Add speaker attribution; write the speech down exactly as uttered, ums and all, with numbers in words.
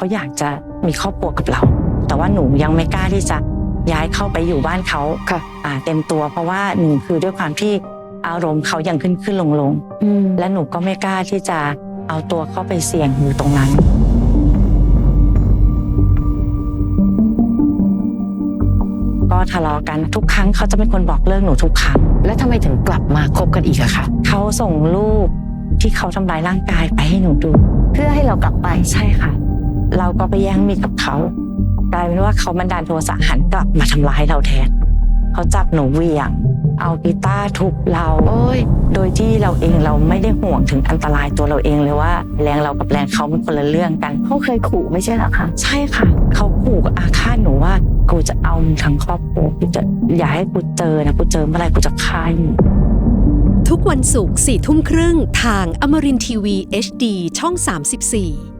Speaker 1: เขาอยากจะมีครอบครัวกับเราแต่ว่าหนูยังไม่กล้าที่จะย้ายเข้าไปอยู่บ้านเขาค่ะอ่าเต็มตัวเพราะว่าหนึ่งคือด้วยความที่อารมณ์เขายังขึ้นขึ้นลงลงและหนูก็ไม่กล้าที่จะเอาตัวเข้าไปเสี่ยงอยู่ตรงนั้นก็ทะเลาะกันทุกครั้งเขาจะเป็นคนบอกเลิกหนูทุกครั้ง
Speaker 2: แล้วทำไมถึงกลับมาคบกันอีกอะคะ
Speaker 1: เขาส่งรูปที่เขาทำร้ายร่างกายไปให้หนูดู
Speaker 2: เพื่อให้เรากลับไป
Speaker 1: ใช่ค่ะเราก็ไปแย่งมีดกับเขากลายเป็นว่าเขาบันดาลโทสะหันกลับมาทำร้ายเราแทนเขาจับหนูเหวี่ยงเอากีตาร์ทุบเราโดยที่เราเองเราไม่ได้ห่วงถึงอันตรายตัวเราเองเลยว่าแรงเรากับแรงเขาเป็นคนละเรื่องกัน
Speaker 2: เขาเคยขู่ไม่ใช่หรอคะ
Speaker 1: ใช่ค่ะเขาขู่อาฆาตหนูว่ากูจะเอามึงทั้งครอบครัวกูจะอย่าให้กูเจอนะกูเจอเมื่อไรกูจะฆ่ามึง
Speaker 3: ทุกวันศุกร์สี่ทุ่มครึ่งทางอมรินทร์ทีวี เอช ดี ช่องสามสิบสี่